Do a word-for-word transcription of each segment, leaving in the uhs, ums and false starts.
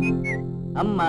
అమ్మా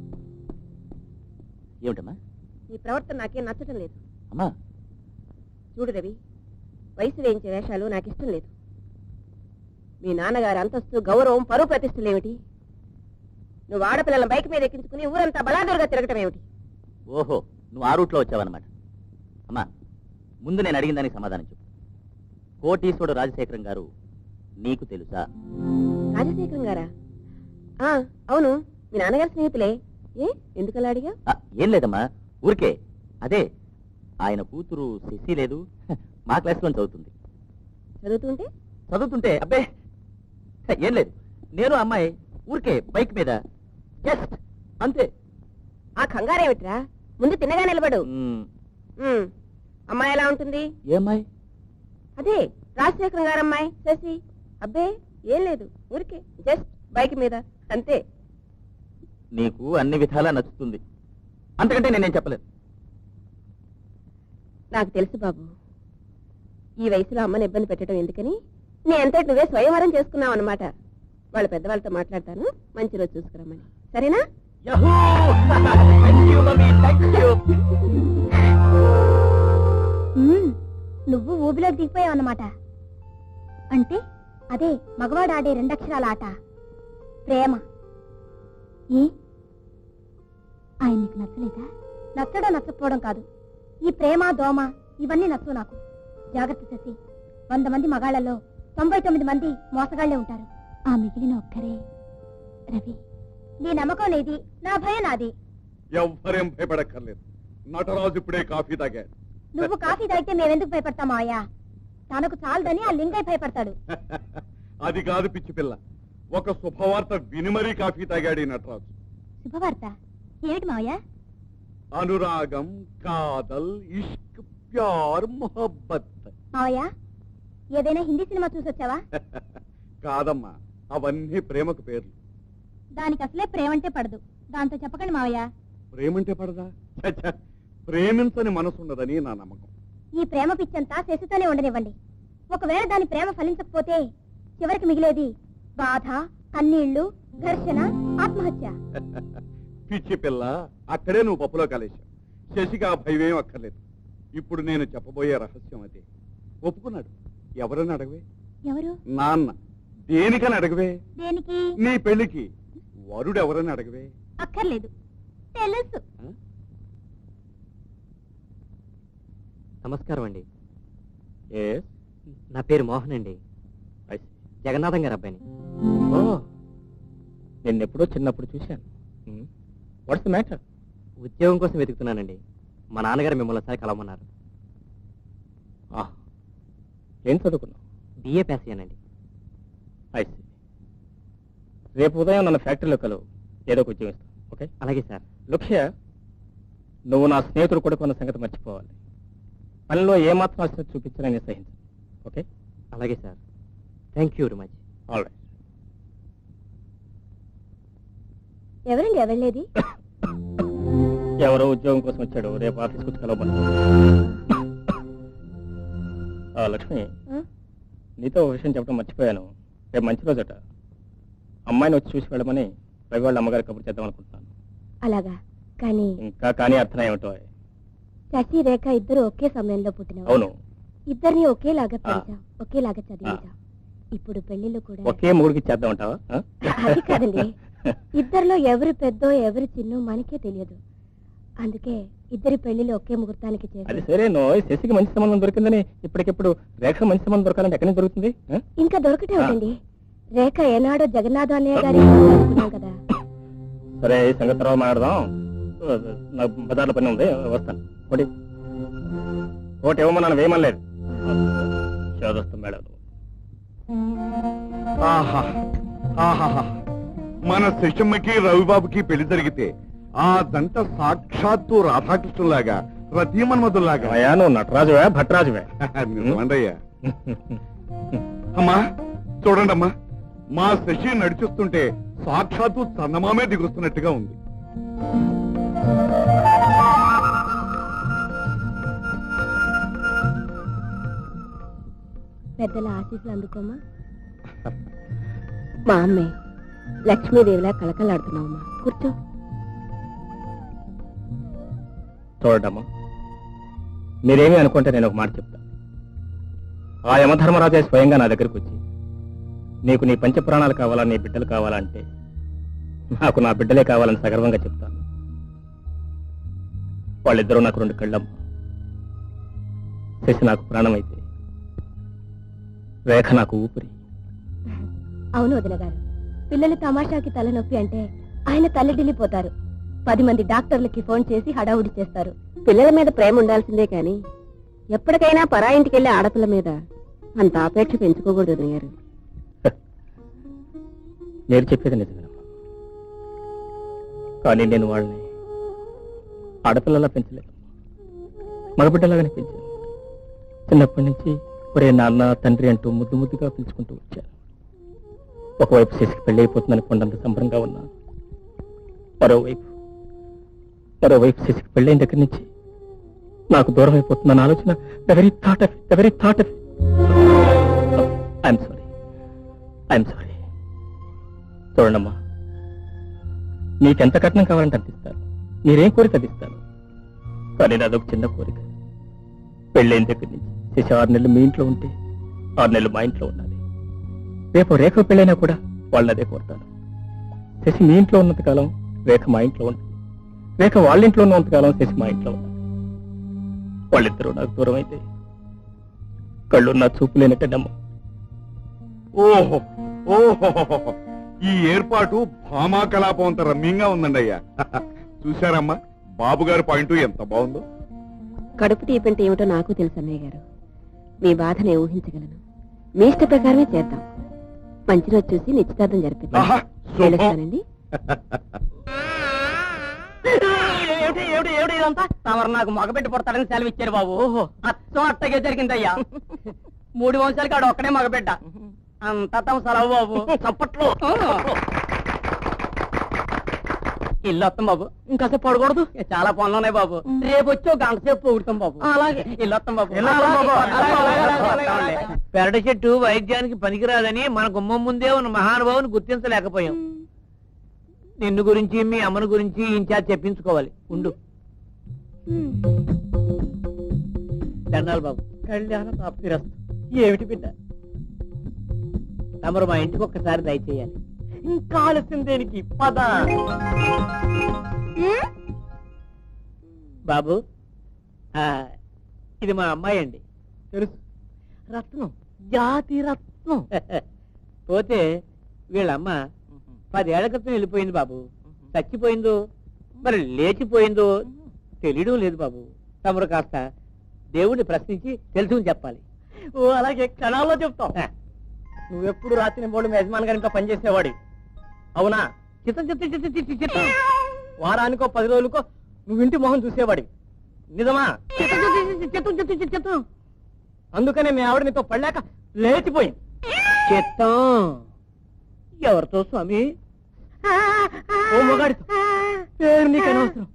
ఏమిటమ్మా? నీ ప్రవర్తన నాకేం నచ్చటం లేదు. అమ్మా చూడు రవి, వయసు వేయించే వేషాలు నాకు ఇష్టం లేదు. మీ నాన్నగారి అంతస్తు, గౌరవం, పరువు ప్రతిష్టలు ఏమిటి? నువ్వు ఆడపిల్లల బైక్ మీద ఎక్కించుకుని ఊరంతా బలాదూరుగా తిరగటం ఏమిటి? ఓహో, నువ్వు ఆ రూట్లో వచ్చావన్నమాట. అమ్మా ముందు నేను అడిగిన దానికి సమాధానం చెప్పు. కోటీశ్వరుడు రాజశేఖరం గారు నీకు తెలుసా? రాజశేఖరం గారా? ఆ, అవును, మీ నాన్నగారి స్నేహితులే. ఏ ఎందుకలా అడిగా? ఏం లేదమ్మా, ఊరికే. అదే ఆయన కూతురు శశి లేదు, మా క్లాస్లో చదువుతుంది. చదువుతుంటే చదువుతుంటే అబ్బే ఏం లేదు, నేను అమ్మాయి ఊరికే బైక్ మీద జస్ట్ అంతే. ఆ కంగారేమిట్రా? ముందు తిన్నగా నిలబడు. అమ్మాయి ఎలా ఉంటుంది? ఏ అమ్మాయి? అదే రాజశేఖరం గారు అమ్మాయి శశి. అబ్బే ఏం లేదు, ఊరికే జస్ట్ బైక్ మీద అంతే. నీకు అన్ని విధాలా నచ్చుతుంది, అంతకంటే నేనేం చెప్పలేదు. నాకు తెలుసు బాబు, ఈ వయసులో అమ్మని ఇబ్బంది పెట్టడం ఎందుకని నీ అంతటి నువ్వే స్వయంవరం చేసుకున్నావు అన్నమాట. వాళ్ళ పెద్దవాళ్ళతో మాట్లాడతాను, మంచి రోజు చూసుకురమ్మని. సరేనా? నువ్వు ఊబిలోకి దిగిపోయావు అన్నమాట. అంటే అదే మగవాడు ఆడే రెండక్షరాల ఆట ప్రేమ. ఏ ఆయన నీకు నచ్చలేదా? నచ్చడం నచ్చకపోవడం కాదు, ఈ ప్రేమ దోమ ఇవన్నీ నచ్చవు నాకు. జాగ్రత్త చేసి, వంద మంది మగాళ్లలో తొంభై తొమ్మిది మంది మోసగాళ్లే ఉంటారు. ఆ మిగిలిన ఒక్కరే రవి. నీ నమ్మకం నీది, నా భయం నాది. ఎవ్వరేం భయపడక్కర్లేదు. నటరాజు ఇప్పుడే కాఫీ తాగాడు. నువ్వు కాఫీ తాగితే మేమెందుకు భయపడతామా అయ్యా? తనకు చాలదని ఆ లింగయ్య భయపడతాడు. అది కాదు పిచ్చి పిల్ల, ఒక శుభవార్త విని మరీ కాఫీ తాగాడు ఈ నటరాజు. శుభవార్త ఏమిటి మావయ్య? అనురాగం, కాదల్, ఇష్క్, ప్యార్, మొహబ్బత్. మావయ్య ఏదైనా హిందీ సినిమా చూసొచ్చావా? కాదమ్మా, అవన్నీ ప్రేమకు పేర్లు. దానికి అసలే ప్రేమంటే పడదు, దాంతో చెప్పకండి మావయ్య. ప్రేమంటే పడదా? ఛ, ప్రేమించని మనసున్నదని నా నమ్మకం. ఈ ప్రేమ పిచ్చంతా శశితోనే ఉండనివ్వండి. ఒకవేళ దాని ప్రేమ ఫలించకపోతే చివరికి మిగిలేది బాధ, కన్నీళ్లు, ఘర్షణ, ఆత్మహత్య. పిచ్చి పిల్ల, అక్కడే నువ్వు పప్పులో కలిశావు. శశికి ఆ భయమేం అక్కర్లేదు. ఇప్పుడు నేను చెప్పబోయే రహస్యం అదే. ఒప్పుకున్నాడు. ఎవరని అడగవే? ఎవరు? నాన్న. దేనికని అడగవే? దేనికి? నీ పెళ్లికి. వరుడు ఎవరని అడగవే? అక్కర్లేదు, తెలుసు. నమస్కారం అండి. నా పేరు మోహన్ అండి, జగన్నాథం గారు అబ్బాయిని. నిన్నెప్పుడో చిన్నప్పుడు చూశాను. What's the matter? ఉద్యోగం కోసం వెతుకుతున్నానండి. మా నాన్నగారు మిమ్మల్ని ఒకసారి కలవమన్నారు. ఏం చదువుకున్నావు? బిఏ పాస్ అయ్యానండి. ఐసి. రేపు ఉదయం నన్ను ఫ్యాక్టరీలో కలవు, ఏదో ఒక ఉద్యోగం ఇస్తాను. ఓకే? అలాగే సార్. లుక్ష్య, నువ్వు నా స్నేహితుడు కొడుకు అన్న సంగతి మర్చిపోవాలి. పనిలో ఏమాత్రం ఆసక్తి చూపించాలని సహించు. ఓకే? అలాగే sir. Thank you very much. All right. ఎవరండి ఎవళ్ళేది? ఎవరో ఉద్యోగం కోసం వచ్చాడు, రేపు ఆఫీస్కి వచ్చి కలవమని. లక్ష్మి, నీతో ఒక విషయం చెప్పడం మర్చిపోయాను. రేపు మంచి రోజట. అమ్మాయిని వచ్చి చూసి వెళ్ళమని రవి వాళ్ళ అమ్మగారి కబురు చేద్దాం అనుకుంటున్నాను. అలాగా? కానీ ఇంకా కానీ అర్థం ఏమిటో. శశి, రేఖ ఇద్దరు ఒకే సమయంలో పుట్టిన. అవును. ఇద్దరిని ఒకేలాగా పెంచాం, ఒకేలాగా చదివించాం. ఇప్పుడు పెళ్లిళ్ళు కూడా ఒకే మూడికి చేద్దాం అంటావా? అది కాదండి, ఇద్దరిలో ఎవరు పెద్దో ఎవరు చిన్నో మనకే తెలియదు. అందుకే ఇద్దరి పెళ్లిళ్ళు ఒకే ముహూర్తానికి చేసి. అది సరే, నో శశికి మంచి సంబంధం దొరికిందని ఇప్పటికిప్పుడు రేఖ మంచి సంబంధం దొరకాలంటే ఎక్కడి నుంచి దొరుకుతుంది? ఇంకా దొరకటే ఉందండి. రేఖ ఏనాడో జగన్నాథ అన్నయ్య గారి అనుకున్నాం కదా. సరే, ఈ సంగతి తర్వాత మాట్లాడదాం. నాకు బజార్లో పని ఉంది, వస్తాను. ఒకటి ఒకటి ఇవ్వమన్నాను, వేయమనలేదు. చదువుస్తాం మేడం. ఆహా ఆహా, మన శశమ్మకి రవిబాబుకి పెళ్లి జరిగితే ఆ దంట సాక్షాత్తు రాధాకృష్ణులాగా, రతీమన్మధుల్లాగా. అయ్యా, నువ్వు నటరాజువే భట్రాజువే? అయ్యా. అమ్మా చూడండి అమ్మా, మా శశి నడిచిస్తుంటే సాక్షాత్తు చందమామే దిగుస్తున్నట్టుగా ఉంది. పెద్దల ఆశీస్సులు అందుకోమా. మా అమ్మే లక్ష్మీదేవిలా కళకళలాడుతున్నావమ్మా. కూర్చో. చూడమ్మా, మీరేమీ అనుకుంటే నేను ఒక మాట చెప్తాను. ఆ యమధర్మరాజే స్వయంగా నా దగ్గరికి వచ్చి నీకు నీ పంచప్రాణాలు కావాలా, నీ బిడ్డలు కావాలంటే నాకు నా బిడ్డలే కావాలని సగర్వంగా చెప్తాను. వాళ్ళిద్దరూ నాకు రెండు కళ్ళమ్మ. శశి నాకు ప్రాణమైతే రేఖ నాకు ఊపిరి. అవును వదిన గారు, పిల్లలు తమాషాకి తలనొప్పి అంటే ఆయన తల్లడిల్లిపోతారు. పది మంది డాక్టర్లకి ఫోన్ చేసి హడావుడి చేస్తారు. పిల్లల మీద ప్రేమ ఉండాల్సిందే కానీ ఎప్పటికైనా పరాయింటికి వెళ్ళే ఆడపిల్ల మీద అంత ఆపేక్ష పెంచుకోకూడదు వదిన గారు. నేను చెప్పేది నిజమేనమ్మా, కానీ నేను వాళ్ళని ఆడపిల్లలా పెంచలేదు, మగబిడ్డలాగానే పెంచాను. చిన్నప్పటి నుంచి ఒరే నాన్న తండ్రి అంటూ ముద్దు ముద్దుగా పిలుచుకుంటూ వచ్చాను. ఒకవైపు శశికి పెళ్లి అయిపోతుందని కొండంత సంబరంగా ఉన్నా, మరోవైపు మరోవైపు శశికి పెళ్ళైన దగ్గర నుంచి నాకు దూరం అయిపోతుందన్న ఆలోచన ఎవరి థాట్ ఆఫ్ ఎవరి thought of I'm sorry I'm sorry చూడండమ్మా, నీకెంత కట్నం కావాలంటే అందిస్తాను, మీరేం కోరిక అందిస్తాను. కానీ నాదొక చిన్న కోరిక. పెళ్ళైన దగ్గర నుంచి శశి ఆరు నెలలు మీ ఇంట్లో ఉంటే ఆరు నెలలు మా ఇంట్లో ఉండాలి. రేపు రేఖ పెళ్ళైనా కూడా వాళ్ళని అదే కోరుతాను. శశి మీ ఇంట్లో ఉన్నంత కాలం రేఖ మా ఇంట్లో ఉంటుంది, రేఖ వాళ్ళ ఇంట్లో ఉన్నంత కాలం శశి మా ఇంట్లో ఉండాలి. వాళ్ళిద్దరూ నాకు దూరం అయితే కళ్ళు నా చూపు లేనట్టమ్మా. ఓహో ఓహో, ఈ ఏర్పాటు భామా కలాపం అంత రమ్యంగా ఉందండి అయ్యా. చూశారమ్మా బాబు గారి పాయింట్ ఎంత బాగుందో. కడుపు తీపంటే ఏమిటో నాకు తెలుసు అన్నయ్య గారు. మీ బాధనే ఊహించగలను. మీ ఇష్ట ప్రకారమే చేద్దాం. మంచి రోజు చూసి నిశ్చితార్థం జరిపిద్దాం. ఆహా, శుభం. తెలుస్తానండి. తమరు నాకు మగబిడ్డ పుడతాడని సెలవు ఇచ్చారు బాబు. అచ్చం అట్టగే జరిగిందయ్యా. మూడు వంశాలకి ఆడు ఒక్కడే మగబిడ్డ. అంతా తమ సెలవు బాబు. చప్పట్లు. ఇల్లు వస్తాం బాబు. ఇంకాసేపు పడకూడదు, చాలా పనులు ఉన్నాయి బాబు. రేపు వచ్చి ఒక గంట సేపు పోగుతాం బాబు. అలాగే ఇల్లు వస్తాం బాబు. పెరటి చెట్టు వైద్యానికి పనికిరాదని మన గుమ్మం ముందే ఉన్న మహానుభావుని గుర్తించలేకపోయాం. నిన్ను గురించి మీ అమ్మను గురించి ఇన్ఛార్జ్ చెప్పించుకోవాలి. ఉండు. దండాలు బాబు. కళ్యాణ ప్రాప్తిరస్తు. ఏమిటి బిడ్డ? తమరు మా ఇంటికి ఒక్కసారి దయచేయాలి. ఇంకా ఆలస్యం దేనికి? పద. బాబు, ఆ, ఇది మా అమ్మాయి అండి. తెలుసు, రత్నం, జాతి రత్నం. పోతే వీళ్ళమ్మ పదేళ్ల క్రితం వెళ్ళిపోయింది బాబు. చచ్చిపోయిందో మరి లేచిపోయిందో తెలియడం లేదు బాబు. తమరు కాస్త దేవుడిని ప్రశ్నించి తెలుసుకుని చెప్పాలి. ఓ అలాగే క్షణాల్లో చెప్తాం. నువ్వెప్పుడు రాత్రి బోర్డు మీ యజమాని గారి ఇంట్లో పనిచేసేవాడి అవునా? చిత్తం చిత్తం చిత్తం చిత్తం చిత్తం వారానికో పది రోజులకో నువ్వు ఇంటి మొహం చూసేవాడి నిజమా? చిత్తం చిత్తం చిత్తం చిత్తం చిత్తం అందుకనే మీ ఆవిడ నీతో పడలేక లేచిపోయింది. చిత్తం ఎవరితో స్వామి? ఓ మొగాడితో. పేరు నీకు అనవసరం.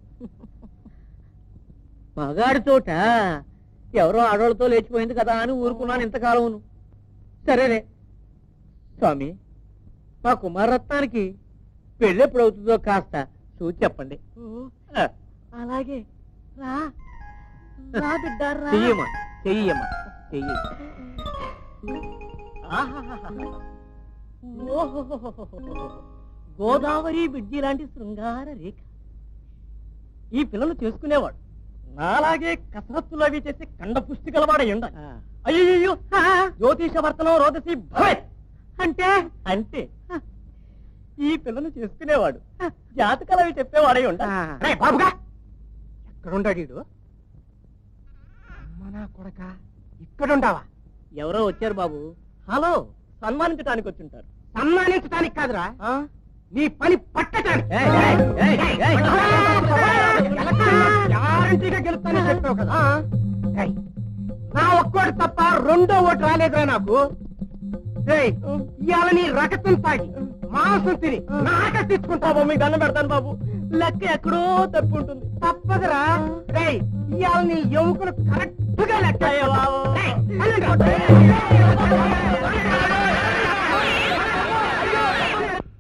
మగాడితోట ఎవరో ఆడవాళ్ళతో లేచిపోయింది కదా అని ఊరుకున్నాను ఇంతకాలం. సరేనే స్వామి, మా కుమారరత్నానికి పెళ్ళి ఎప్పుడు అవుతుందో కాస్త చూసి చెప్పండి. అలాగే రా రా బిడ్డ రా. చెయ్యమ్మా చెయ్యమ్మా చెయ్యి. గోదావరి బిడ్జి లాంటి శృంగార రేఖ. ఈ పిల్లలు చేసుకునేవాడు నాలాగే కసరత్తులు అవి చేసి కండ పుష్టి గలవాడై ఉండాలి. అయ్యో జ్యోతిష వర్తనం రోదసి భవేత్ అంటే అంటే ఈ పిల్లలు చేసుకునేవాడు జాతకాలు అవి చెప్పేవాడై ఉండాలి. బాబుగా ఎక్కడుండాడు వీడు? అమ్మనా కొడక, ఇక్కడుండావా? ఎవరో వచ్చారు బాబు. హలో, సన్మానించడానికి వచ్చింటారు. సన్మానించడానికి కాదురా, ఆ? నీ పని పట్టడానికి. ఏయ్, ఏయ్, ఏయ్, ఏయ్. గ్యారంటీగా గెలుస్తానని చెప్పావు కదా. ఏయ్, నా ఒక్కోటి తప్ప రెండో ఓటు రాలేదురా నాకు. ఏయ్, ఇవాళ నీ రకతం తాగి మాంసం తిని నాక తెచ్చుకుంటావు. మీకు దండం పెడతాను బాబు, లెక్క ఎక్కడో తప్పు ఉంటుంది. తప్పదురా. ఏయ్, ఇవాళ నీ ఎముకలు కరెక్ట్ గా లెక్క. అయ్యో బాబు. ఏయ్, వెళ్ళండి.